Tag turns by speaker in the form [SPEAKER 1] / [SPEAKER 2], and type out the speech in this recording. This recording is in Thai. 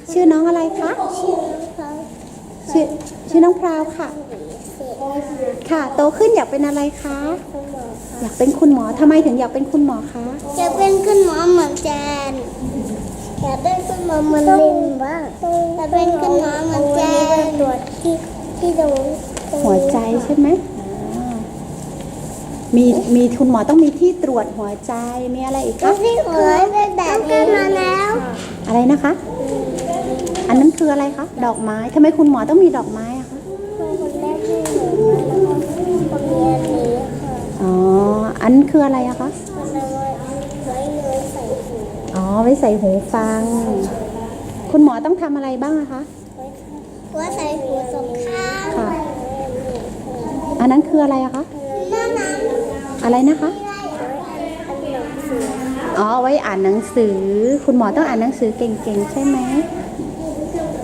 [SPEAKER 1] ชื่อน้องอะไรคะชื่อชื่อน้องพราวค่ะค่ะโตขึ้นอยากเป็นอะไรคะอยากเป็นคุณหมอทำไมถึงอยากเป็นคุณหมอคะ
[SPEAKER 2] อยากเป็นคุณหมอเหมือนแจนอยากเป็นคุณหมอเหมือนลินบ้างอยากเป็นคุณหมอเหมือนแจนตรวจที่ตรง
[SPEAKER 1] หัวใจใช่ไหมมีคุณหมอต้องมีที่ตรวจหัวใจมีอะไรอีกคะ
[SPEAKER 2] ที่หัวเป็นแบบนี้มาแล้ว
[SPEAKER 1] อะไรนะคะอันนั้นคืออะไรคะดอกไม้ทำไมคุณหมอต้องมีดอกไม้อะคะ
[SPEAKER 2] คนแรกที่หนูแล้วก็คนนี้อันนี้ค่ะ
[SPEAKER 1] อ๋ออันนั้นคืออะไรอะคะ
[SPEAKER 2] มันเอาไว้ใส่หู
[SPEAKER 1] อ๋อไว้ใส่หูฟังคุณหมอต้องทำอะไรบ้างอะคะ
[SPEAKER 2] ไว้ใส่หูสองข้าง
[SPEAKER 1] ค่ะอันนั้นคืออะไรอะคะอะไรนะคะอ๋อไว้อ่านหนังสือคุณหมอต้องอ่านหนังสือเก่งๆใช่ไหม